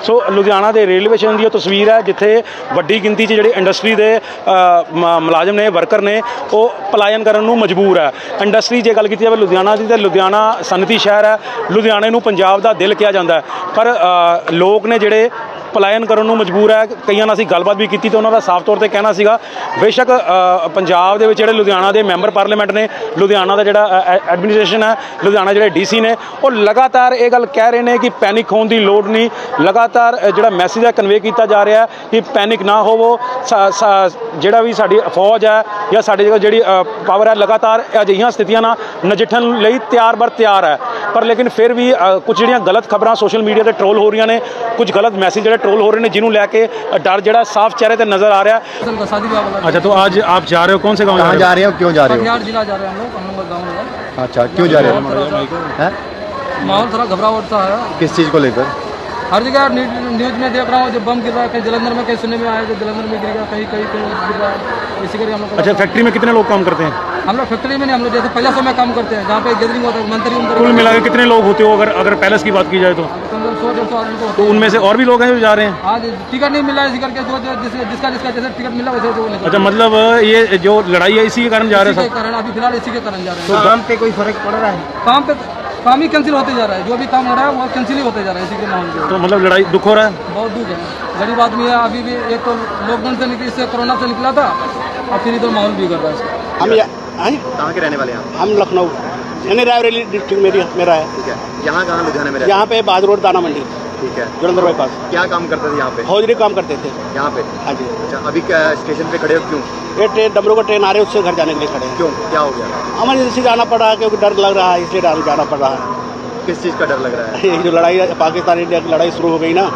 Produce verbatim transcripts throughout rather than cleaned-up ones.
सो लुधियाना के railway station की तस्वीर है जिथे वड्डी गिनती च जिहड़े इंडस्ट्री के मुलाजम ने वर्कर ने वो पलायन करने नूं मजबूर है। इंडस्ट्री जे गल की जाए लुधियाना की, तो लुधियाना सनती शहर है, लुधियाने नूं पंजाब का दिल कहा जाता है, पर लोग ने जिहड़े पलायन करने नूं मजबूर है। कईयां नाल असीं गलबात भी की तो उन्होंने साफ तौर पर कहना सीगा बेशक पंजाब दे विच जिहड़े लुधियाना के मैंबर पार्लीमेंट ने, लुधियाना का जिहड़ा एडमिनिस्ट्रेशन है, लुधियाना जिहड़े डी सी ने, वो लगातार ये गल कह रहे हैं कि पैनिक होने की लोड़ नहीं। लगातार जिहड़ा मैसेज है कन्वे किया जा रहा है कि पैनिक ना होवो, जिहड़ा भी साडी फौज है या साडी जिहड़ी पावर है लगातार अजिहियां स्थितियां नाल नजिठण लई तैयार बर तैयार है। पर लेकिन फिर भी कुछ जिहड़ियां गलत खबरां सोशल मीडिया पर ट्रोल हो रही ने, कुछ गलत मैसेज जिहड़े ट्रोल हो रहे हैं जिन्होंने लैके डर जिहड़ा साफ चेहरे पर नजर आ रहा है। अच्छा, तो आज आप जा रहे हो, कौन से गाँव कहाँ जा रहे हो, क्यों जा रहे हो? जिला जा रहे हैं हम लोग, हम लोग गाँव में। अच्छा, क्यों जा रहे हो? माहौल थोड़ा घबराहट सा है। किस चीज़ को लेकर? हर जगह न्यूज में देख रहा हूँ, जब बम गिर रहा है, कहीं जलंधर में कहीं सुनने में आया कि जलंधर में गिरेगा, कहीं कहीं कहीं गिर रहा है, इसी करके हम लोग। अच्छा, फैक्ट्री में कितने लोग काम करते हैं? हम लोग फैक्ट्री में नहीं, हम लोग जैसे पहले समय काम करते हैं, जहाँ पे गैदरिंग होता है मंत्री उनका। कुल मिला के कितने लोग होते हो अगर अगर पैलेस की बात की जाए तो? सौ डेढ़ सौ आदमी को। तो उनमें से और भी लोग हैं जो जा रहे हैं? आज टिकट नहीं मिला, इसी करके जो जिसका जिसका जिसका जैसे टिकट मिला वैसे वो निकल। अच्छा, मतलब ये जो लड़ाई है इसी के कारण जा रहे हैं? कारण अभी फिलहाल इसी के कारण जा रहे तो हैं। काम पे कोई फर्क पड़ रहा है? काम पे काम ही कैंसिल होते जा रहा है, जो भी काम हो रहा है वो कैंसिल ही होते जा रहा है इसी के माहौल में। तो मतलब लड़ाई दुख हो रहा है? बहुत दुख है, गरीब आदमी है। अभी भी एक तो लॉकडाउन से निकली, इससे कोरोना से निकला था, और फिर इधर माहौल भी कर रहा है इसका। हम कहाँ के रहने वाले हैं? हम लखनऊ यानी रायबरेली डिस्ट्रिक्ट मेरी मेरा है। ठीक है, यहाँ कहाँ लुधियाना में? यहाँ पे बहादुर रोड दाना मंडी। ठीक है, जलंधर बाईपास। क्या काम करते थे यहाँ पे? हौजरी काम करते थे यहाँ पे। हाँ जी। अच्छा, अभी क्या स्टेशन पे खड़े हो, क्यों? ये ट्रेन डमरू का ट्रेन आ रही है, उससे घर जाने के लिए खड़े हैं। क्यों, क्या हो गया? इमरजेंसी जाना पड़ रहा है क्योंकि डर लग रहा है, इसलिए जाना पड़ रहा है। किस चीज़ का डर लग रहा है? ये जो लड़ाई पाकिस्तान इंडिया की लड़ाई शुरू हो गई ना,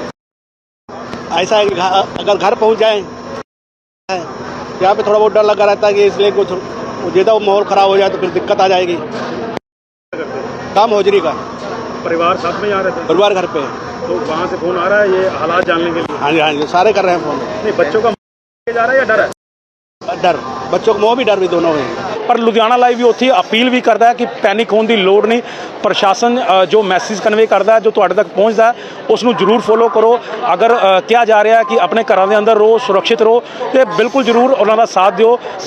ऐसा है कि अगर घर पहुँच जाए यहाँ पे थोड़ा बहुत डर लगा रहता है कि इसलिए कुछ ज़्यादा माहौल ख़राब हो जाए तो फिर दिक्कत आ जाएगी। काम हौजरी का। परिवार साथ में आ रहे थे? परिवार घर पे। तो वहाँ से फोन आ रहा है ये हालात जानने के लिए? हाँ जी, हाँ जी, सारे कर रहे हैं फोन। नहीं, बच्चों का जा रहा है या डर है? डर, बच्चों को मोह भी डर भी दोनों है। पर लुधियाना लाइव भी उत्थे अपील भी करता है कि पैनिक होने की लोड़ नहीं। प्रशासन जो मैसेज कन्वे करता है, जो तुहाडे तक पहुँचता है, उसनूं जरूर फॉलो करो। अगर कहा जा रहा है कि अपने घरों के अंदर रहो, सुरक्षित रहो, तो बिल्कुल जरूर उन्हों का साथ दिओ।